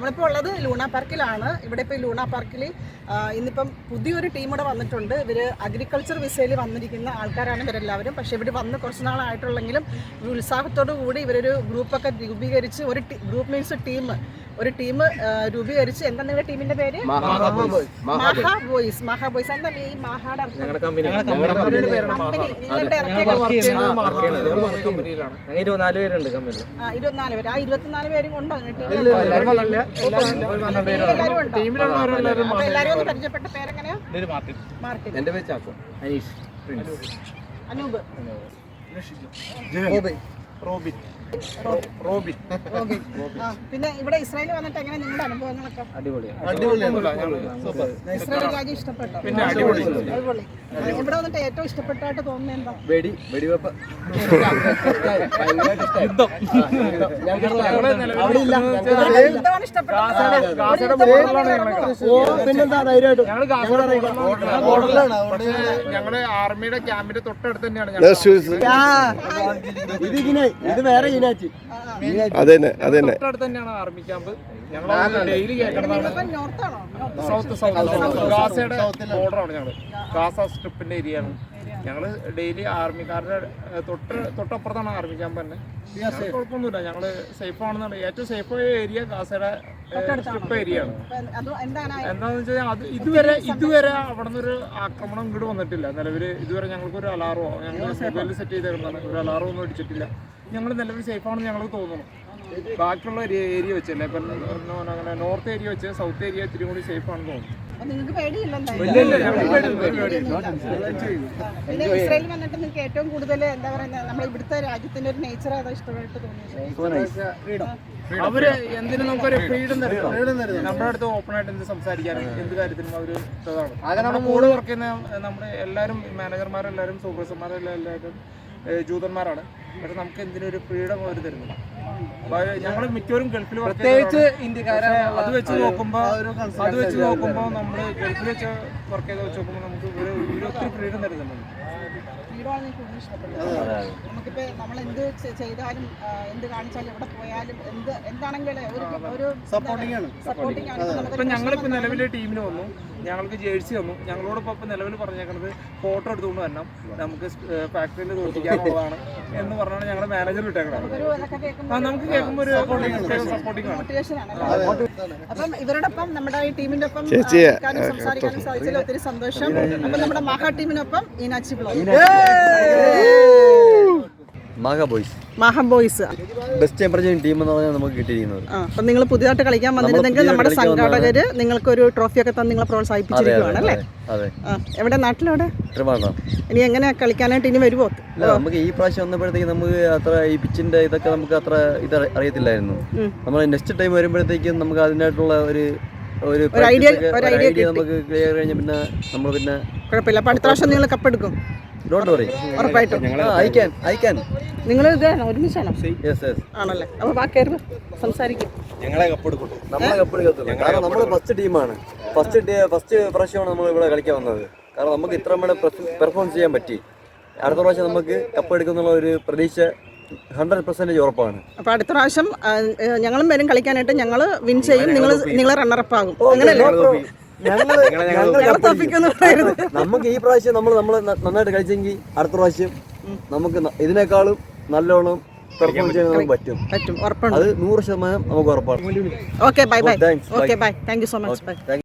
നമ്മളിപ്പോൾ ഉള്ളത് ലൂണ പാർക്കിലാണ്. ഇവിടെ ഇപ്പോൾ ലൂണ പാർക്കിൽ ഇന്നിപ്പം പുതിയൊരു ടീം ഇവിടെ വന്നിട്ടുണ്ട്. ഇവർ അഗ്രികൾച്ചർ വിസയിൽ വന്നിരിക്കുന്ന ആൾക്കാരാണ് ഇവരെല്ലാവരും. പക്ഷേ ഇവിടെ വന്ന് കുറച്ച് നാളായിട്ടുള്ളെങ്കിലും ഉത്സാഹത്തോടു കൂടി ഇവരൊരു ഗ്രൂപ്പൊക്കെ രൂപീകരിച്ച് ഒരു ടീം രൂപീകരിച്ച്. എന്താ നിങ്ങളുടെ ടീമിന്റെ പേര്? മഹാ ബോയ്സ്. എന്താ ഈ മഹായുടെ നിങ്ങളുടെ ഇറക്കിയ 24 പേരുണ്ട് കമ്പനിയിൽ. 24 പേര്. ആ 24 പേരും കൊണ്ടോ എല്ലാവരും ഒന്ന് പരിചയപ്പെട്ട പേരെങ്ങനെയാ? മാർട്ടിൻ. എന്റെ പേര് ചാക്കോ. അനീഷ്. അനൂപ്. റോബിൻ. പിന്നെ ഇവിടെ ഇസ്രായേൽ വന്നിട്ട് എങ്ങനെ നിങ്ങളുടെ അനുഭവങ്ങളൊക്കെ? ഇസ്രായേൽ രാജ്യം ഇഷ്ടപ്പെട്ടോ? അടിപൊളി. ഇവിടെ വന്നിട്ട് ഏറ്റവും ഇഷ്ടപ്പെട്ടായിട്ട് തോന്നുന്നത് എന്താ? വെടിവെപ്പ്. എന്താണ് ഇഷ്ടപ്പെട്ടത്? ഞങ്ങളുടെ ആർമിയുടെ ക്യാമ്പിന്റെ തൊട്ടടുത്ത് തന്നെയാണ്. തൊട്ടടുത്ത് തന്നെയാണ് ആർമി ക്യാമ്പ്. ഞങ്ങൾ ഡെയിലി ഗാസയുടെ ബോർഡറാണ്. ഞങ്ങള് ഗാസ സ്ട്രിപ്പിന്റെ ഏരിയ ആണ്. ഞങ്ങള് ഡെയിലി ആർമിക്കാരുടെ തൊട്ടപ്പുറത്താണ് ആർമി ക്യാമ്പ് തന്നെ. കുഴപ്പമൊന്നുമില്ല, ഞങ്ങള് സേഫ് ആണെന്നാണ്. ഏറ്റവും സേഫ് ഏരിയ ഗാസയുടെ സ്ട്രിപ്പ് ഏരിയ ആണ്. എന്താന്ന് വെച്ചാൽ അത് ഇതുവരെ അവിടെ നിന്നൊരു ആക്രമണം ഇങ്ങോട്ട് വന്നിട്ടില്ല. നിലവിൽ ഇതുവരെ ഞങ്ങൾക്കൊരു അലാറോ ഞങ്ങൾ മൊബൈലിൽ സെറ്റ് ചെയ്തേക്കുന്നതാണ്. ഒരു അലാറോ ഒന്നും അടിച്ചിട്ടില്ല. ഞങ്ങൾ നിലവിൽ സേഫ് ആണെന്ന് ഞങ്ങൾക്ക് തോന്നുന്നു. ബാക്കിയുള്ള ഏരിയ വെച്ചല്ലേ, ഇപ്പം അങ്ങനെ നോർത്ത് ഏരിയ വെച്ച് സൗത്ത് ഏരിയ ഇത്തിരി കൂടി സേഫ് ആണെന്ന് തോന്നുന്നു. ഇസ്രായേൽ വന്നിട്ട് നിങ്ങൾക്ക് ഏറ്റവും കൂടുതൽ എന്താ പറയുക, നമ്മൾ ഇവിടുത്തെ രാജ്യത്തിന്റെ ഒരു നേച്ചർ ഏതാ ഇഷ്ടമായിട്ട് തോന്നിയത്? അവര് എന്തിനും നമുക്കൊരു ഫ്രീഡം തരും. നമ്മുടെ അടുത്ത് ഓപ്പൺ ആയിട്ട് എന്ത് സംസാരിക്കാനും എന്ത് കാര്യത്തിനും അവര് ഇതാണ്. കൂടെ വർക്ക് ചെയ്യുന്ന നമ്മുടെ എല്ലാവരും മാനേജർമാരെല്ലാവരും സൂപ്പർവൈസർമാരെല്ലാം എല്ലാവരും ജൂതന്മാരാണ്. പക്ഷെ നമുക്ക് എന്തിനൊരു ഫ്രീഡം അവർ തരുന്നില്ല. ഞങ്ങൾ മിക്കവരും ഗൾഫിൽ പ്രത്യേകിച്ച് ഇന്ത്യക്കാരെ അത് വെച്ച് നോക്കുമ്പോൾ നമ്മൾ ഗൾഫിൽ വെച്ച് വർക്ക് ചെയ്ത് വെച്ച് നോക്കുമ്പോൾ നമുക്ക് ഒത്തിരി ഫ്രീഡം തരുന്നുണ്ട്. നമുക്കിപ്പോ നമ്മൾ എന്ത് ചെയ്താലും എന്ത് കാണിച്ചാലും എവിടെ പോയാലും എന്താണെങ്കിലും ഒരു സപ്പോർട്ടിംഗ് ആണ്. ഇപ്പൊ ഞങ്ങളിപ്പോ നിലവിലെ ടീമിന് വന്നു, ഞങ്ങൾക്ക് ജേഴ്സി വന്നു. ഞങ്ങളോടൊപ്പം ഇപ്പൊ നിലവിൽ പറഞ്ഞേക്കുന്നത് ഫോട്ടോ എടുത്തുകൊണ്ട് വരണം, നമുക്ക് ഫാക്ടറിയിൽ തോൽപ്പിക്കാനുള്ളതാണ് എന്ന് പറഞ്ഞാണ് ഞങ്ങളുടെ മാനേജർ വിട്ടേക്കുന്നത്. നമുക്ക് കേൾക്കുമ്പോൾ ഒരു സപ്പോർട്ടിംഗ് ആണ്. അപ്പം ഇവരോടൊപ്പം നമ്മുടെ ഈ ടീമിന്റെ ഒപ്പം സംസാരിക്കാനും സാധിച്ചതിൽ ഒത്തിരി സന്തോഷം. അപ്പൊ നമ്മുടെ മഹാ ടീമിനൊപ്പം ഈനാച്ചി ബ്ലോഗ്. മഹാ ബോയ്സ് ബെസ്റ്റ് എമർജൻസി ടീം എന്ന് പറഞ്ഞാൽ നമുക്ക് കിട്ടിയിരിക്കുന്നത്. അപ്പം നിങ്ങൾ പുതിയതായിട്ട് കളിക്കാൻ വന്നിരുന്നെങ്കിൽ നമ്മുടെ സംഘാടകര് നിങ്ങൾക്കൊരു ട്രോഫിയൊക്കെ തന്ന് നിങ്ങളെ പ്രോത്സാഹിപ്പിച്ചിരിക്കുകയാണ് അല്ലേ? എവിടെ നാട്ടിലെവിടെ? ഇനി എങ്ങനെയാ കളിക്കാനായിട്ട് ഇനി വരുമോ? നമുക്ക് ഈ പ്രാവശ്യം വന്നപ്പോഴത്തേക്ക് നമുക്ക് അത്ര ഈ പിച്ചിന്റെ ഇതൊക്കെ നമുക്ക് അത്ര ഇത് അറിയത്തില്ലായിരുന്നു. നമ്മൾ നെക്സ്റ്റ് ടൈം വരുമ്പോഴത്തേക്കും നമുക്ക് അതിനായിട്ടുള്ള ഒരു ഐഡിയ നമുക്ക് ക്ലിയർ കഴിഞ്ഞ പിന്നെ നമ്മൾ പിന്നെ കുഴപ്പമില്ല. അപ്പൊ അടുത്ത പ്രാവശ്യം നിങ്ങൾ കപ്പെടുക്കും ഉറപ്പായിട്ടും. നിങ്ങൾ ഇത് ഒരുമിച്ചാണോ? ആണല്ലേ? അപ്പൊ ബാക്കി സംസാരിക്കും. നമ്മളെ കപ്പെടുക്കത്തുള്ളൂ. കാരണം നമ്മൾ ഫസ്റ്റ് ടീമാണ്. ഫസ്റ്റ് പ്രാവശ്യമാണ് നമ്മൾ ഇവിടെ കളിക്കാൻ വന്നത്. കാരണം നമുക്ക് ഇത്ര പെർഫോം ചെയ്യാൻ പറ്റി. അടുത്ത പ്രാവശ്യം നമുക്ക് കപ്പ് എടുക്കുന്നുള്ള ഒരു പ്രതീക്ഷ 100% ഉറപ്പാണ്. അപ്പൊ അടുത്ത പ്രാവശ്യം ഞങ്ങളും വരും കളിക്കാനായിട്ട്. ഞങ്ങൾ വിൻ ചെയ്യും, നിങ്ങൾ റണ്ണറപ്പ് ആകും. അങ്ങനെയല്ലേ? നമുക്ക് ഈ പ്രാവശ്യം നമ്മൾ നന്നായിട്ട് കളിച്ചെങ്കിൽ അടുത്ത പ്രാവശ്യം നമുക്ക് ഇതിനേക്കാളും നല്ലോണം പെർഫോം ചെയ്യാൻ പറ്റും. അത് 100% നമുക്ക് ഉറപ്പാണ്. Okay bye. Okay bye. Thank you so much. By.